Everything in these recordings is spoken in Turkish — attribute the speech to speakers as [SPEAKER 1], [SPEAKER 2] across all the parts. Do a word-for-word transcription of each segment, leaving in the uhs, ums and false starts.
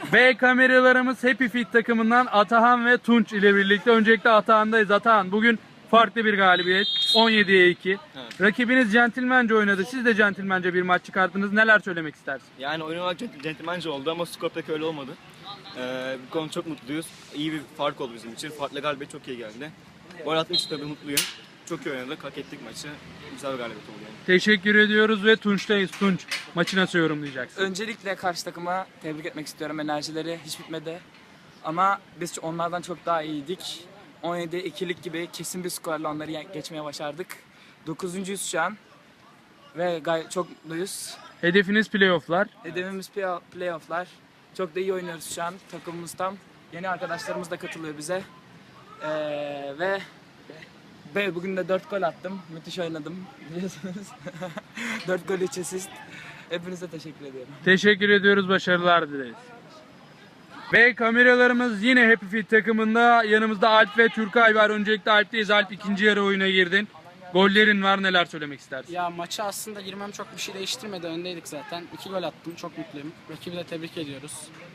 [SPEAKER 1] Ve kameralarımız Happy Fit takımından Atahan ve Tunç ile birlikte. Öncelikle Atahan'dayız. Atahan, bugün farklı bir galibiyet. on yediye iki.
[SPEAKER 2] Evet.
[SPEAKER 1] Rakibiniz centilmence oynadı. Siz de centilmence bir maç çıkarttınız. Neler söylemek istersin?
[SPEAKER 2] Yani oyun olarak cent- centilmence oldu ama skor pek öyle olmadı. Ee, bu konu çok mutluyuz. İyi bir fark oldu bizim için. Farklı galibiyet çok iyi geldi. Gol atmak için tabii mutluyum. Çok iyi oynadık, hak ettik maçı. Güzel bir galibiyet oldu yani.
[SPEAKER 1] Teşekkür ediyoruz ve Tunç'tayız. Tunç, maçı nasıl yorumlayacaksın?
[SPEAKER 3] Öncelikle karşı takıma tebrik etmek istiyorum. Enerjileri hiç bitmedi. Ama biz onlardan çok daha iyiydik. on yedi ikilik gibi kesin bir skorla onları ye- geçmeye başardık. dokuzuncuyuz şu an. Ve gayet çok mutluyuz.
[SPEAKER 1] Hedefiniz playoff'lar.
[SPEAKER 3] Hedefimiz play- playoff'lar. Çok da iyi oynuyoruz şu an. Takımımız tam. Yeni arkadaşlarımız da katılıyor bize. Ee, ve ve bugün de dört gol attım. Müthiş oynadım biliyorsunuz. dört gol üç asist. Hepinize teşekkür ediyorum.
[SPEAKER 1] Teşekkür ediyoruz. Başarılar dileriz. Ve kameralarımız yine Happy Fit takımında. Yanımızda Alp ve Türkay var. Öncelikle Alp'teyiz. Alp, ikinci yarı oyuna girdin. Gollerin var. Neler söylemek istersin?
[SPEAKER 4] Ya maçı aslında girmem çok bir şey değiştirmedi. Öndeydik zaten. İki gol attım. Çok mutluyum. Rakibi de tebrik ediyoruz.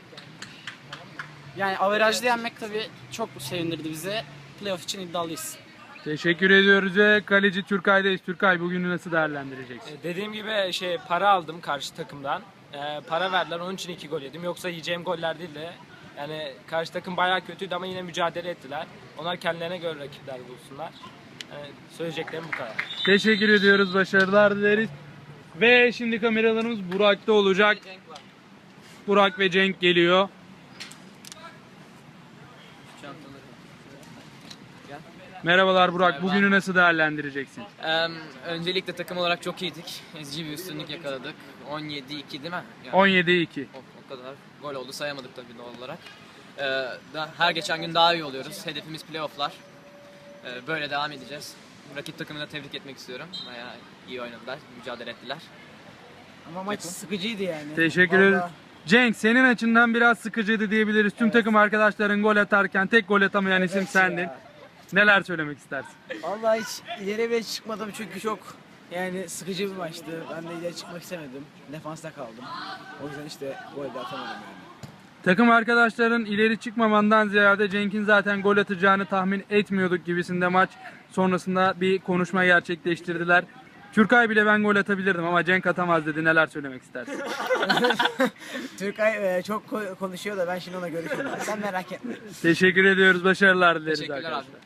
[SPEAKER 4] Yani averajlı yenmek tabii çok sevindirdi bizi. Playoff için iddialıyız.
[SPEAKER 1] Teşekkür ediyoruz ve kaleci Türkay'dayız. Türkay, bugünü nasıl değerlendireceksin?
[SPEAKER 5] Dediğim gibi şey para aldım karşı takımdan. Ee, para verdiler, onun için iki gol yedim. Yoksa yiyeceğim goller değil de. Yani karşı takım bayağı kötüydü ama yine mücadele ettiler. Onlar kendilerine göre rakipler bulsunlar. Yani söyleyeceklerim bu kadar.
[SPEAKER 1] Teşekkür ediyoruz. Başarılar dileriz. Ve şimdi kameralarımız Burak'ta olacak. Burak ve Cenk geliyor. Merhabalar Burak. Bugünü nasıl değerlendireceksin?
[SPEAKER 6] Eee, öncelikle takım olarak çok iyiydik. Ezici bir üstünlük yakaladık. on yedi iki değil mi? Yani
[SPEAKER 1] on yediye iki.
[SPEAKER 6] o, o kadar gol oldu, sayamadık tabii doğal olarak. Eee, da, her geçen gün daha iyi oluyoruz. Hedefimiz playofflar. Eee, böyle devam edeceğiz. Rakip takımını da tebrik etmek istiyorum. Bayağı iyi oynadılar, mücadele ettiler.
[SPEAKER 7] Ama maç sıkıcıydı yani.
[SPEAKER 1] Teşekkür ederiz.
[SPEAKER 7] Vallahi
[SPEAKER 1] Cenk, senin açından biraz sıkıcıydı diyebiliriz. Tüm takım arkadaşların gol atarken tek gol atamayan isim
[SPEAKER 7] Evet
[SPEAKER 1] sendin.
[SPEAKER 7] ya.
[SPEAKER 1] Neler söylemek istersin?
[SPEAKER 7] Vallahi hiç ileri bile çıkmadım çünkü çok yani sıkıcı bir maçtı. Ben de ileri çıkmak istemedim. Defansta kaldım. O yüzden işte gol de atamadım yani.
[SPEAKER 1] Takım arkadaşların ileri çıkmamandan ziyade Cenk'in zaten gol atacağını tahmin etmiyorduk gibisinde maç sonrasında bir konuşma gerçekleştirdiler. Türkay bile ben gol atabilirdim ama Cenk atamaz dedi. Neler söylemek istersin?
[SPEAKER 7] Türkay e, çok ko- konuşuyor da ben şimdi ona görüşürüm. Sen merak etme.
[SPEAKER 1] Teşekkür ediyoruz. Başarılar dileriz
[SPEAKER 6] Teşekkürler
[SPEAKER 1] arkadaşlar.
[SPEAKER 6] abi.